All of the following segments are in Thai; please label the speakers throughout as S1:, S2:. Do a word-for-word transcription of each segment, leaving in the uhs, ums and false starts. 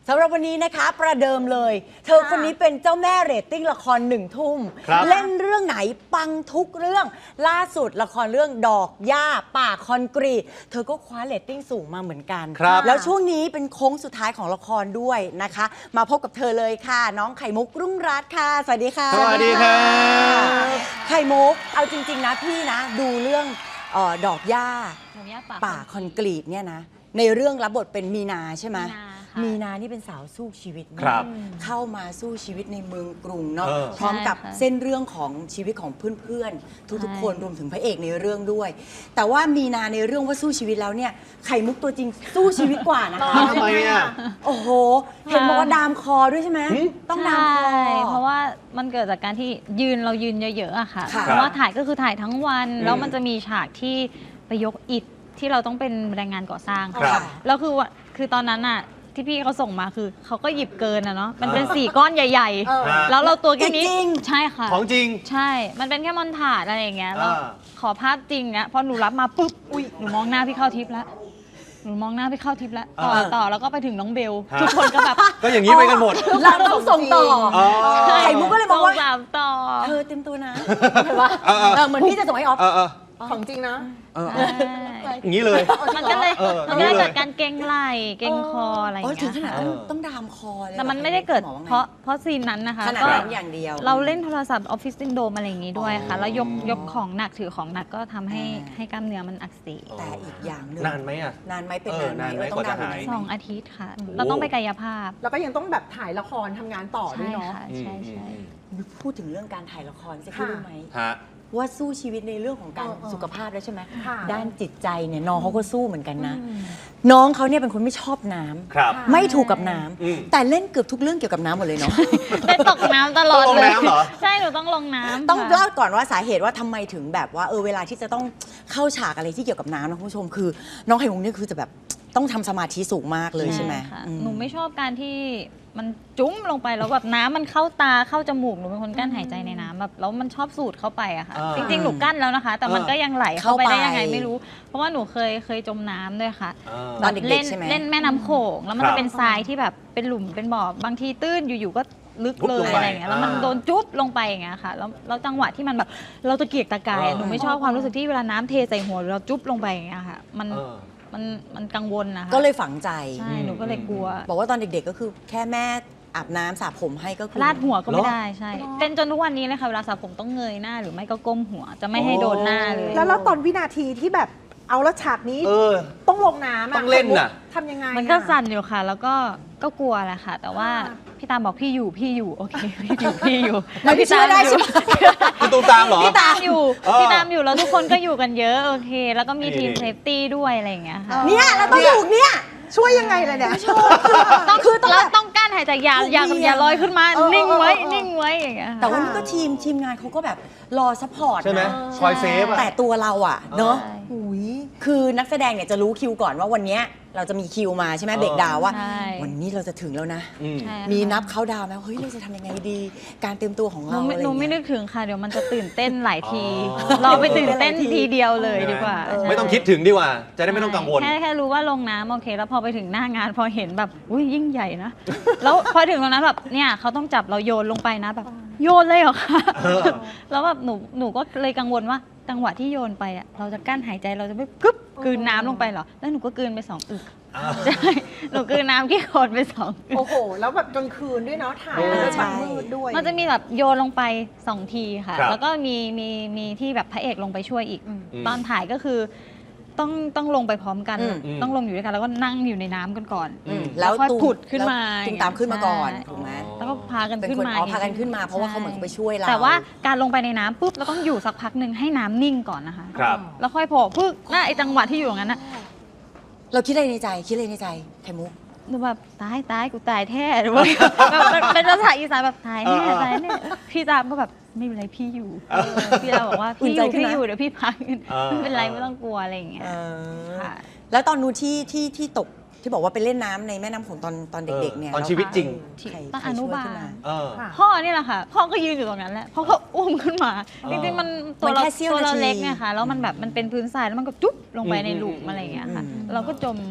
S1: สำหรับวันนี้นะคะประเดิมเลย เธอคนนี้เป็นเจ้าแม่เรตติ้งละครหนึ่งทุ่มเล่นเรื่องไหนปังทุกเรื่องล่าสุดละครเรื่องดอกหญ้าป่าคอนกรีตเธอก็คว้าเรตติ้งสูงมาเหมือนกันแล้วช่วงนี้เป็นโค้งสุดท้ายของละครด้วยนะคะมาพบกับเธอเลยค่ะน้องไข่มุกรุ่งรัตน์ค่ะสวัสดีค่ะ
S2: สวัสดีค่ะ
S1: ไข่มุกเอาจริงๆนะพี่นะดูเรื่องเอ่อดอกหญ้าป่าคอนกรีตเนี่ยนะในเรื่องรับบทเป็นมีนาใช่ไหมมีนานี่เป็นสาวสู้ชีวิตเข้ามาสู้ชีวิตในเมืองกรุงเนาะพร้อมกับเส้นเรื่องของชีวิตของเพื่อนๆทุกๆคนรวมถึงพระเอกในเรื่องด้วยแต่ว่ามีนาในเรื่องว่าสู้ชีวิตแล้วเนี่ยไข่มุกตัวจริงสู้ชีวิตกว่านะคะ
S2: ทำไมอ่ะ
S1: โอ้โหเห็นบอกว่าดามคอด้วยใช่ไหมต้องดามคอ
S3: เพราะว่ามันเกิดจากการที่ยืนเรายืนเยอะๆอะค่ะเพราะว่าถ่ายก็คือถ่ายทั้งวันแล้วมันจะมีฉากที่ไปยกอิฐที่เราต้องเป็นแรงงานก่อสร้างค่ะแล้วคือว่าคือตอนนั้นอะที่พี่เขาส่งมาคือเขาก็หยิบเกินอะเนาะมันเป็นสี่ก้อนใหญ่ๆแล้วเราตัวแค่นี้ใช่ค่ะ
S2: ของจริง
S3: ใช่มันเป็นแค่มอนถาดอะไรอย่างเงี้ยแล้วขอภาพจริงเนี้ยพอหนูรับมาปุ๊บอุ้ยหนูมองหน้าพี่เข้าทิพย์แล้วหนูมองหน้าพี่เข้าทิพย์แล้วต่อต่อแล้วก็ไปถึงน้องเบลทุกคนก็แบบ
S2: ก็อย่างนี้ไปกันหมด
S1: เราต้องส่งต่อไข่มุกก็เลยบอกว่า
S3: ต่อ
S1: เธอเต็มตัวนะเหมือนว่าเหมือนพี่จะส่งให้ออฟ
S4: ของจริงนะ
S2: อย่างนี้เลย
S3: มันก็เลยมันก็เลยเกิดการเก่งไหล่เก่งคออะไรอย่างเงี้ยค่ะ
S1: ต้องดามคอเลย
S3: แต่มันไม่ได้เกิดเพราะเพราะซีนนั้นนะคะ
S1: ก็อย่างเดียว
S3: เราเล่นโทรศัพท์ออฟฟิศซินโดรมอะไรอย่างงี้ด้วยค่ะแล้วยกยกของหนักถือของหนักก็ทำให้ให้กล้ามเนื้อมันอักเสบ
S1: แต่อีกอย่างนึง
S2: นานไหมอ่ะ
S1: นานไหมเป็นนานไหม
S2: ต้องดาม
S3: สองอาทิตย์ค่ะเราต้องไปกายภาพ
S4: แล้วก็ยังต้องแบบถ่ายละครทำงานต่อด้วยเนาะ
S3: ใช่ใช่
S1: พูดถึงเรื่องการถ่ายละครจะคิดรู้ไหมว่าสู้ชีวิตในเรื่องของการสุขภาพแล้วใช่ไหมด้านจิตใจเนี่ยน้องเขาก็สู้เหมือนกันนะน้องเขาเนี่ยเป็นคนไม่ชอบน้ำไม่ถูกกับน้ำแต่เล่นเกือบทุกเรื่องเกี่ยวกับน้ำหมดเลยเนาะ
S3: ได้ตกน้ำตลอดเลยใช่หนูต้องลงน้ำ
S1: ต้องเล่าก่อนว่าสาเหตุว่าทำไมถึงแบบว่าเออเวลาที่จะต้องเข้าฉากอะไรที่เกี่ยวกับน้ำนะคุณผู้ชมคือน้องไข่มุกนี่คือจะแบบต้องทำสมาธิสูงมากเลยใช่ไหม
S3: หนูไม่ชอบการที่มันจุ้มลงไปแล้วแบบน้ำมันเข้าตาเข้าจมูกหนูเป็นคนกั้นหายใจในน้ำแบบแล้วมันชอบสูดเข้าไปอะค่ะจริงๆหนูกั้นแล้วนะคะแต่มันก็ยังไหลเข้าไปได้ยังไงไม่รู้เพราะว่าหนูเคยเคยจมน้ำด้วยค่ะ
S1: ตอนเด็กๆใช่ไหม
S3: เล่นแม่น้ำโขงแล้วมันจะเป็นทรายที่แบบเป็นหลุมเป็นบ่อบางทีตื้นอยู่ๆก็ลึกเลยอะไรอย่างเงี้ยแล้วมันโดนจุ๊บลงไปอย่างเงี้ยค่ะแล้วแล้วจังหวะที่มันแบบเราตะเกียกตะกายหนูไม่ชอบความรู้สึกที่เวลาน้ำเทใส่หัวเราจุ๊บลงไปอย่างเงี้ยค่ะมันมันมันกังวลนะคะ
S1: ก็เลยฝังใจ
S3: ใช่หนูก็เลยกลัว
S1: บอกว่าตอนเด็กๆก็คือแค่แม่อาบน้ำสระผมให้ก็คือ
S3: ลาดหัวก็ไม่ได้ใช่เป็นจนทุกวันนี้เลยค่ะเวลาสระผมต้องเงยหน้าหรือไม่ก็ก้มหัวจะไม่ให้โดนหน้าเลย
S4: แล้วแล้วตอนวินาทีที่แบบเอาแล้วฉากนี้ต้องลงน้ำ
S2: ต้องเล่นน่ะ
S4: ทำยังไง
S3: มันก็สั่นอยู่ค่ะแล้วก็ก็กลัวแหละค่ะแต่ว่าพี่ตามบอกพี่อยู่พี่อยู่โอเคพี่อยู่พี่อยู่
S1: แล้วพี่ตามได้ใช่ไหม
S2: พี่ตูมตามเหรอ
S3: พี่ตามอยู่พี่ตามอยู่แล้วทุกคนก็อยู่กันเยอะโอเคแล้วก็มีทีมเซฟตี้ด้วยอะไรอย่างเงี้ยค่ะ
S1: เนี่ยเราต้องอยู่เนี่ย
S4: ช่วยยังไงล่ะเนี่ย
S3: ต้องคือเราต้องกั้นหายใจอย่าอย่าอย่าลอยขึ้นมานิ่งไว้นิ่งไว้อย่างเงี้ย
S1: แต่ว่านี่ก็ทีมทีมงานเขาก็แบบรอซัพพอร์ต
S2: ใช่ไหมคอยเซฟ
S1: แต่ตัวเราอ่ะเนาะคือนักแสดงเนี่ยจะรู้คิวก่อนว่าวันนี้เราจะมีคิวมาใช่ไหมเบรกดาวว่าวันนี้เราจะถึงแล้วนะมีนับเขาดาวไหมเฮ้ยเราจะทำยังไงดีการเตรียมตัวของเราอะไร
S3: หนูไม่นึกถึงค่ะเดี๋ยวมันจะตื่นเต้นหลายทีเราไปตื่นเต้นทีเดียวเลยดีกว่า
S2: ไม่ต้องคิดถึงดีกว่าจะได้ไม่ต้องกังวล
S3: แค่แค่รู้ว่าลงน้ำโอเคแล้วพอไปถึงหน้างานพอเห็นแบบอุ้ยยิ่งใหญ่นะแล้วพอถึงตรงนั้นแบบเนี่ยเขาต้องจับเราโยนลงไปนะแบบโยนเลยเหรอคะแล้วแบบหนูหนูก็เลยกังวลว่าจังหวะที่โยนไปอ่ะเราจะกั้นหายใจเราจะไม่กึ๊บกลืนน้ำลงไปเหรอแล้วหนูก็กลืนไปสองอึกใช่หนูกลืนน้ำที่โคลนไปสองอึก
S4: โอ้โหแล้วแบบกลางคืนด้วยเนาะถ่ายแล้วแบบมืดด้วย
S3: มันจะมีแบบโยนลงไปสองทีค่ะแล้วก็มีมีมีที่แบบพระเอกลงไปช่วยอีกตอนถ่ายก็คือต้องต้องลงไปพร้อมกันต้องลงอยู่ด้วยกันแล้วก็นั่งอยู่ในน้ำกันก่อน
S1: แล้ว
S3: ค่อยผุดขึ้นมา
S1: ตุ้มตามขึ้นมาก่อนถูกไหม
S3: แล้วก็พากันขึ้นมา
S1: พากันขึ้นมาเพราะว่าเขาเหมือนไปช่วยเรา
S3: แต่ว่าการลงไปในน้ำปุ๊บเราต้องอยู่สักพักหนึ่งให้น้ำนิ่งก่อนนะคะแล้วค่อยโผล่พึ่งน่าไอจังหวะที่อยู่อย่างนั้นนะ
S1: เราคิดอะไรในใจคิดอะไรในใจไข่มุก
S3: หนูแบบตายตายกูตายแท้หรือว่าเป็นภาษาอีสานแบบตายแน่ตายแน่พี่ตามก็แบบไม่เป็นไรพี่อยู่พี่เราบอกว่าพี่อยู่พี่อยู่เดี๋ยวพี่พักไม่เป็นไรไม่ต้องกลัวอะไรอย่างเงี้ย
S1: แล้วตอนนู้นที่ที่ที่ตกที่บอกว่าไปเล่นน้ำในแม่น้ำโขงตอนตอนเด็กๆเนี่ย
S2: ตอนชีวิตจริง
S3: ตอนอนุบาลพ่อนี่แหละค่ะพ่อก็ยืนอยู่ตรงนั้นแหละพ่อก็อุ้มขึ้นมาจริงๆมันตัวเราตัวเราเล็กเนี่ยค่ะแล้วมันแบบมันเป็นพื้นทรายแล้วมันก็จุ๊บลงไปในหลุมอะไรอย่างเงี้ยค่ะเราก็จมอย่างเงี้ย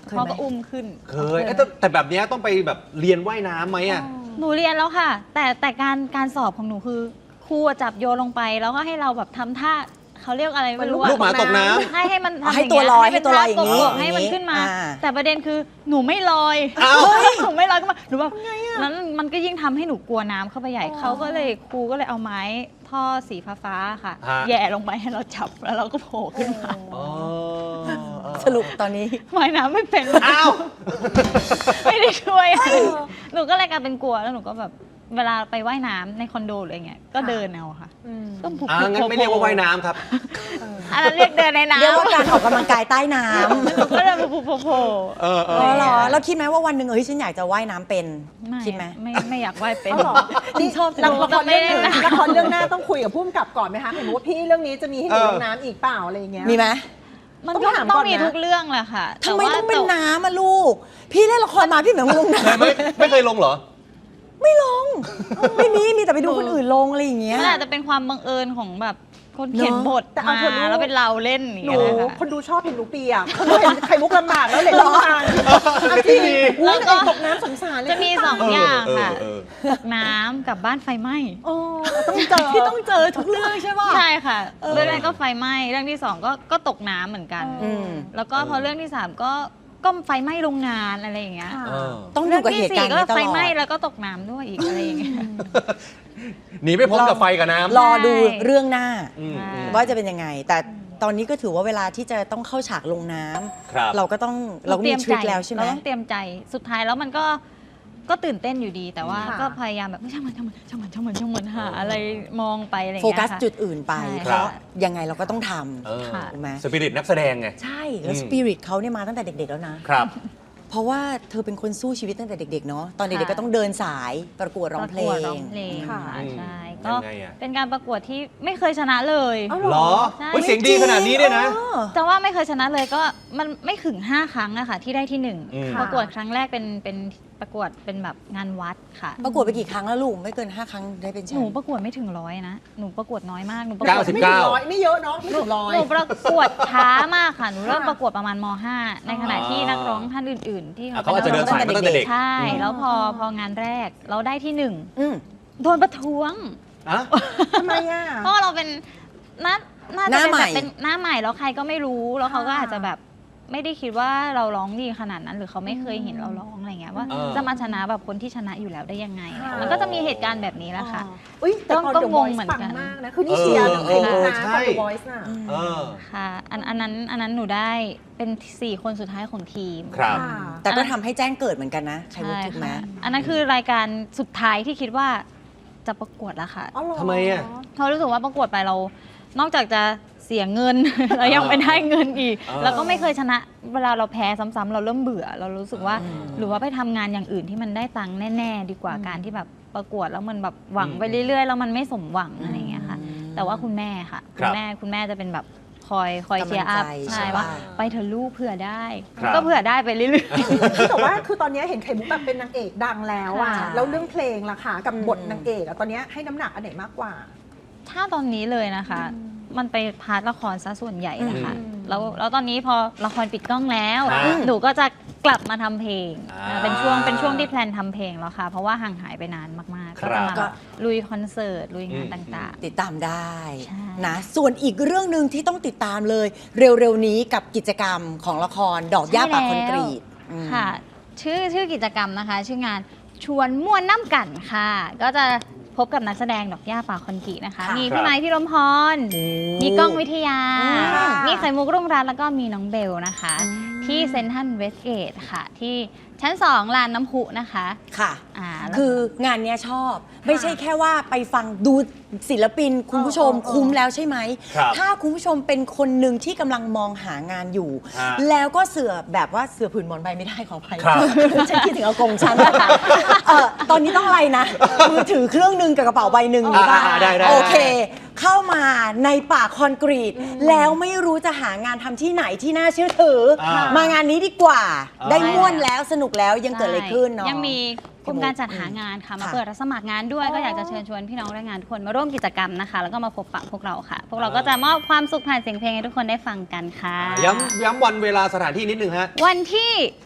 S1: เคยไหม
S3: พ่อก็อุ้มขึ้น
S2: เคยเอ้ยแต่แต่แบบเนี้ยต้องไปแบบเรียนว่ายน้ำไหมอ่ะ
S3: หนูเรียนแล้วค่ะ แต่แต่การการสอบของหนูคือครูอะจับโยนลงไป แล้วก็ให้เราแบบทำท่าเขาเรียกอะไรไม่รู้อะ
S2: ลูกหมาตกน้ำ
S3: ให้ให้มันทำ
S1: ให้
S3: อย่าง
S1: ตัว
S3: เงี้ย
S1: ลอย
S3: ให้เป็น
S1: ให้ตัวลอยอย่างนี้
S3: ท่ากบๆให้มันขึ้นมา
S1: อ่า
S3: แต่ประเด็นคือหนูไม่ลอย
S2: อ้าว
S3: หนูไม่ลอยขึ้นมาหนูแบบนั้นมันก็ยิ่งทำให้หนูกลัวน้ำเข้าไปใหญ่เขาก็เลยครูก็เลยเอาไม้ท่อสีฟ้าๆค่ะ
S2: ฮะ
S3: แหย่ลงไปให้เราจับแล้วเราก็โผล่ขึ้นมา
S2: อ๋อเออ
S1: สรุปตอนนี้
S3: ว่ายน้ำไม่เป็น
S2: อ้าว
S3: ไม่ได้ช่วยอะไรหนูก็เลยกลายเป็นกลัวแล้วหนูก็แบบเวลาไปว่ายน้ำในคอนโดหรืออะไรเงี้ยก็เดินเอาค่ะ
S4: อืม
S3: ก็ผูก
S2: อ่างั้นไม่เรียกว่าว่ายน้ำครับ
S3: อันนั้นเรียกเดินในน้ำ
S1: เรียกว่าการออกกำลังกายใต้น้ำ
S3: ก็เดินผูกโผล่
S2: เออเอ
S1: อ๋
S2: อ
S1: อเหรอแล้วคิดไหมว่าวันหนึ่งเฮ้ยฉันอยากจะว่ายน้ำเป็น
S3: ไม่
S1: คิดไหม
S3: ไม่ไม่อยากว่ายเป็น
S4: อ๋อเหรอ
S1: นี่ชอบ
S4: ละครเรื่อง
S3: ไม่ได้นะ
S4: ละครเรื่องหน้าต้องคุยกับผู้กำกับก่อนไหมคะเห็นว่าพี่เรื่องนี้จะมีให้ดู
S2: เออ
S4: ลงน้ำอีกเปล่าอะไรอย่างเงี้ย
S1: มีไหม
S3: มัน
S4: ต้อง
S3: ก็
S4: ถาม
S3: ต้อ
S4: ก่
S3: ง
S4: อนนะ
S3: มีทุกเรื่องแหละค่ะ
S1: ทำไมต้องเป็น
S3: แต่ว่า
S1: น้ำอะลูก พี่เล่นละครมาพี่เหมือนลงน้
S2: เคยไหมไม่เคยลงเหรอ
S1: ำไม่ลง ไม่มีมีแต่ไปดูคนอื่นลงอะไรอย่างเงี้ย
S3: มันอาจจะเป็นความบังเอิญของแบบคนเขียน
S1: เนอะ
S3: บท
S4: แต่เอา
S3: มา
S4: เถอะลูก
S3: แล้วเป็นเราเล่นอย่าง
S4: หนู
S3: เงี้ยนะคะ
S4: คนดูชอบเห็นหนูเปียกคนดูเห็นไข่มุกลำบากแล้วเลยร้องไห้เอาจริง
S2: ดี
S4: อุ้ย
S3: แล้วก็
S4: นางเอกตกน้ำสงสารเลย
S3: จะมีสองอย่างค่ะ
S2: เออ
S3: ตกน้ำกับบ้านไฟไหม้
S4: โอ้ต้องเจอ
S1: พี่ต้องเจอทุกเรื่องใช่ป่ะ
S3: ใช่ค่ะ เรื่องแรกก็ไฟไหม้เรื่องที่สองก็ก็ตกน้ำเหมือนกัน
S1: อืม
S3: แล้วก็พอเรื่องที่สามก็ก็ไฟไหม้โรงงานอะไรอย่างเงี้ย
S4: ค่ะ
S2: เออ
S1: ต้องดู
S3: เรื่อง
S1: กับ
S3: ที่
S1: เหตุ
S3: สี่
S1: การณ์
S3: ก็
S1: นี้ต
S3: ไฟ
S1: ลอ
S3: ไหม้
S1: ด
S3: แล้วก็ตกน้ำด้วยอีกอะไรอย่างเงี้ย
S2: หนีไม่พ้นกับไฟกับน้ำ
S1: รอดูเรื่องหน้า
S2: อืมอืม
S1: ว่าจะเป็นยังไง แต่ตอนนี้ก็ถือว่าเวลาที่จะต้องเข้าฉากลงน้ำ
S2: ครับ
S1: เราก็ต้องเราก็มีทริคแล้วใช่ไหม
S3: เราต้องเตรียมใจสุดท้ายแล้วมันก็ก็ตื่นเต้นอยู่ดี แต่ว่า
S4: ค่ะ
S3: ก็พยายามแบบช่างมันช่างมันช่างมันช่างมันช่างมันหาอะไรมองไปอะไรอย่าง
S1: โฟ
S3: เงี้ย
S1: กัส
S3: ค่ะ
S1: จุดอื่นไป
S3: ใช่
S1: เพราะยังไงเราก็ต้องท
S2: เออ
S3: ค่ะ
S1: ถูกไหม
S2: สปิริตนักแสดงไง
S1: ำใช่ แล้ว
S2: อืม
S1: สปิริตเขาเนี่ยมาตั้งแต่เด็ก ๆ แล้วนะ
S2: ครับ
S1: เพราะว่าเธอเป็นคนสู้ชีวิตตั้งแต่เด็ก ๆ เนาะตอนเด็ก ๆ
S3: ค่ะ
S1: ก็ต้องเดินสายประกวดร้องเพล
S3: ประกวด
S1: ง
S3: ร้องเพลง
S4: ค่ะ
S3: ค่ะ
S2: อืม
S3: ใช่
S2: ยั
S3: ก็
S2: งไงอะ
S3: เป็นการประกวดที่ไม่เคยชนะเลย
S4: เอ้า
S2: เหรอ
S3: ใช่
S2: เฮ้ยเสียงดีขนาดนี้เนี่ยนะ
S1: เออ
S3: แต่ว่าไม่เคยชนะเลยก็มันไม่ถึงห้าครั้งอะค่ะที่ได้ที่หนึ่ง
S2: อืม
S3: ประกวดครั้งแรกเป็นเป็นประกวดเป็นแบบงานวัดค่ะ
S1: ประกวดไปกี่ครั้งแล้วลูกไม่เกิน ห้า ครั้งได้เป็นแช
S3: หนู
S1: มป์
S3: ประกวดไม่ถึงร้อยนะหนูประกวดน้อยมากหนูประก
S2: เก้าว
S3: ด
S2: สิบ
S4: ไม่ถึงร้อยไม่เยอะเนาะไม่ถึงร้อย
S3: หนูประกวดช้ามากค่ะ หนูเริ่ม
S4: ค่ะ
S3: ประกวดประมาณม .ห้า ในขณะที่นักร้องท่านอื่น ๆ ที่
S2: อ่ะเขาอาจจะเดินสายมาตั้งแต่เด็ก
S3: ใช่
S2: อืม
S3: แล้วพอพองานแรกเราได้ที่หนึ่ง
S1: อืม
S3: โดนประท้วง
S2: อะ
S4: ทำไมอ่ะ
S3: เพราะว่าเราเป็นน่าน่า
S1: ห
S3: จะ
S1: น้า
S3: เป็น
S1: ใหม่
S3: แบบเป็นหน้าใหม่แล้วใครก็ไม่รู้ แล้วเขาก็
S4: ค่ะ
S3: อาจจะแบบไม่ได้คิดว่าเราร้องดีขนาดนั้น หรือเขาไม่เคยเห็นเราร้องอะไรเงี้ยว่า
S2: เออ
S3: จะมาชนะแบบคนที่ชนะอยู่แล้วได้ยังไง
S4: ค่ะ
S3: มันก็จะมีเหตุการณ์แบบนี้แหละค่ะ
S4: อุ้ยแต่ตอน
S3: ก็
S4: The
S3: งง
S4: Voice
S3: เหมือน
S4: ปัง
S3: กัน
S4: มากนะ คือนี่เชียร์
S2: เออ
S4: ไข่มุก
S2: เออ
S4: นะ
S2: ใช่
S4: ตอน The Voice น่ะ
S2: เออ
S3: ค่ะอันอันนั้นอันนั้นหนูได้เป็นสี่คนสุดท้ายของทีม
S2: ครับ
S4: ค่ะ
S1: แต่ก็ทำให้แจ้งเกิดเหมือนกันนะไข่มุก
S3: ใช่
S1: ถูกไหม
S3: ค่ะอันนั้นคือรายการสุดท้ายที่คิดว่าจะประกวดแล้วค่ะ
S4: อ๋อเหรอ
S2: ทำไมอะ
S3: เพราะรู้สึกว่าประกวดไปเรา นอกจากจะเสียเงิน เรายังไม่ได้เงินอีก
S2: เออ
S3: แล้วก็ไม่เคยชนะ เวลาเราแพ้ซ้ำๆเราเริ่มเบื่อ เรารู้สึกว่า หรือว่าไปทำงานอย่างอื่นที่มันได้ตังค์แน่ๆ ดีกว่าการที่แบบประกวดแล้วมันแบบหวังไปเรื่อยๆแล้วมันไม่สมหวังอะไรอย่างเงี้ยค่ะ แต่ว่าคุณแม่ค่ะ
S2: ค
S3: คุ
S2: รั
S3: ณ
S2: บ
S3: แม่คุณแม่จะเป็นแบบคอยคอยเชียร์อัพ
S1: กำลังใจ
S3: ใช่
S1: ใช่
S3: ว่า
S1: ปะ
S3: ไปเถอะลูกเผื่อได้
S2: ครับ
S3: ก็เผื่อได้ไปเรื่อยๆ
S4: แต่ว่าคือตอนนี้เห็นไข่มุกแบบเป็นนางเอกดังแล้วอ่ะ
S3: ค่ะ
S4: แล้วเรื่องเพลงล่ะค่ะกับบท
S1: อืม
S4: นางเอกอะตอนนี้ให้น้ำหนักอันไหนมากกว่า
S3: ถ้าตอนนี้เลยนะคะ มันไปพาร์ทละครซะส่วนใหญ่นะคะ
S4: อืม
S3: แล้วแล้วตอนนี้พอละครปิดกล้องแล้ว
S2: อ่า
S3: หนูก็จะกลับมาทำเพลง
S2: อ่า
S3: อ่าเป็นช่วงเป็นช่วงที่แพลนทำเพลงแล้วค่ะ เพราะว่าห่างหายไปนานมากๆ
S2: ค
S3: ก็
S2: รับ
S3: จะมาลุยคอนเสิร์ต ลุยงาน
S2: อืม
S3: ต่าง
S1: ติดตามได้
S3: ใช่
S1: นะส่วนอีกเรื่องหนึ่งที่ต้องติดตามเลย เร็วๆนี้กับกิจกรรมของละครดอกหญ้าป่าคอนกรีตอืม
S3: ๆ ค่ะ ชื่อชื่อกิจกรรมนะคะ ชื่องานชวนม่วนน้ำกันค่ะ ก็จะพบกับนักแสดงดอกหญ้าป่าคอนกรีตนะคะ
S1: ค่ะ
S3: มี
S2: ครั
S3: พี่
S2: บ
S3: ไม้พี่ลมพร
S1: โอ้
S3: มีกล้องวิทยา
S1: ค่ะ
S3: มีไข่มุกรุ่งรัตน์แล้วก็มีน้องเบลนะคะ ที่เซนทรัลเวสเกตค่ะ ที่ชั้นสองลานน้ำพุนะคะ
S1: ค่ะ
S3: อ่าแล้ว
S1: คืองานเนี้ยชอบ ไม่ใช่แค่ว่าไปฟังดูศิลปินคุณผู้ชม
S4: เออเออ
S1: คุ้มแล้วใช่ไหม
S2: ครับ
S1: ถ้าคุณผู้ชมเป็นคนหนึ่งที่กำลังมองหางานอยู่
S2: ฮะ
S1: แล้วก็เสือแบบว่าเสือผืนหมอนใบไม่ได้ขออภัย
S2: ครับ
S1: ฉันคิดถึงอากงฉันนะคะเอ่อตอนนี้ต้องอะไรนะ มือถือเครื่องหนึ่งกับกระเป๋าใบหนึ่ง
S2: อ่า
S1: ป่ะ
S2: อ่าได้ได้
S1: โอเค
S2: ได้
S1: เข้ามาในป่าคอนกรีต แล้วไม่รู้จะหางานทำที่ไหนที่น่าเชื่อถือ
S2: อ่าม
S1: มางานนี้ดีกว่า
S2: อ่า
S1: ได้ม่วนแล้วสนุกแล้วยังเกิดอะไรขึ้นเนาะ
S3: ยังมีกลุ่มการจัดหางานค่ะ มา
S1: ค่ะ
S3: เปิดรับสมัครงานด้วย ก็อยากจะเชิญชวนพี่น้องแรงงานทุกคนมาร่วมกิจกรรมนะคะ แล้วก็มาพบปะพวกเราค่ะ พวกเราก็จะมอบความสุขผ่านเสียงเพลงให้ทุกคนได้ฟังกันค่ะ
S2: ย้ำย้ำวันเวลาสถานที่นิดนึงฮะ
S3: วันที่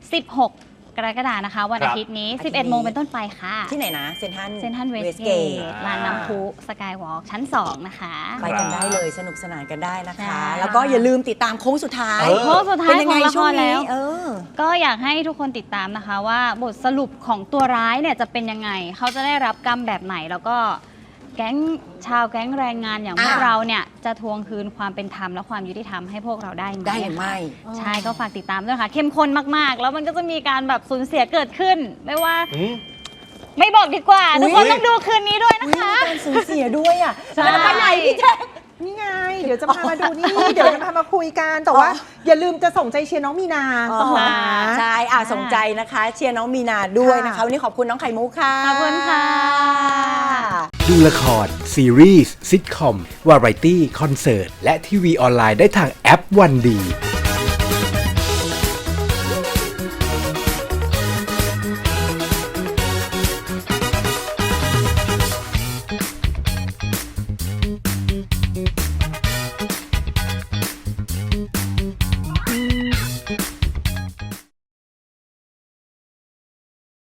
S3: สิบหก กรกฎาคมนะคะ วัน
S2: ครั
S3: อา
S2: บ
S3: ทิตย์นี้
S1: อาทิตย์นี้
S3: สิบเอ็ด โมงเป็นต้นไปค่ะ
S1: ที่ไหนนะเซนทัน
S3: เซนทันเวสเกต
S1: Westgate
S3: ลานน้ำพุสกายวอล์กชั้น สอง นะคะ
S1: ไปกันได้เลยสนุกสนานกันได้นะคะ
S3: ใช่
S1: แล้วก็อย่าลืมติดตามโค้งสุดท้าย
S2: เออ
S3: โค้งสุดท้าย
S1: เป็นยัง
S3: ข
S1: ไง
S3: องละ
S1: ช่
S3: คว
S1: ง
S3: รแล้
S1: นี้
S3: ว
S1: เออ
S3: ก็อยากให้ทุกคนติดตามนะคะว่าบทสรุปของตัวร้ายเนี่ยจะเป็นยังไง เขาจะได้รับกรรมแบบไหน แล้วก็แก๊งชาวแก๊งแรงงานอย่างพวก
S1: อ่ะ
S3: เราเนี่ยจะทวงคืนความเป็นธรรมและความยุติธรรมให้พวกเราได้ไหม
S1: ได้หรือไม่
S3: ใช่ก็ฝากติดตามด้วยค่ะ เข้มข้นมากๆ แล้วมันก็จะมีการแบบสูญเสียเกิดขึ้น ไม่ว่า
S2: อืม
S3: ไม่บอกดีกว่า
S1: อุ๊
S3: ทุ
S1: ย
S3: กคนต้องดูคืนนี้ด้วยนะ
S1: อุ๊ย
S3: คะ
S1: มีการสูญเสียด้วยอ่ะ
S3: ใช่
S1: แล้วไปไหนพี่แจ๊ค
S4: นี่ไง เดี๋ยวจะพามาดูนี่ เดี๋ยวจะพามาคุยกัน แต่ว่า
S1: อ๋อ
S4: อย่าลืมจะส่งใจเชียร์น้องมีนา
S1: อ๋
S4: เส
S1: อ
S4: มอนะ
S1: ใช่อ่ะส่งใจนะคะ เชียร์น้องมีนาด้วยนะคะ
S4: ค่ะ
S1: วันนี้ขอบคุณน้องไข่มุกค่ะ
S3: ขอบคุณค่ะ
S5: ดูละคร ซีรีส์ซิทคอม วาไรตี้ คอนเสิร์ต และทีวีออนไลน์ได้ทางแอปวันดี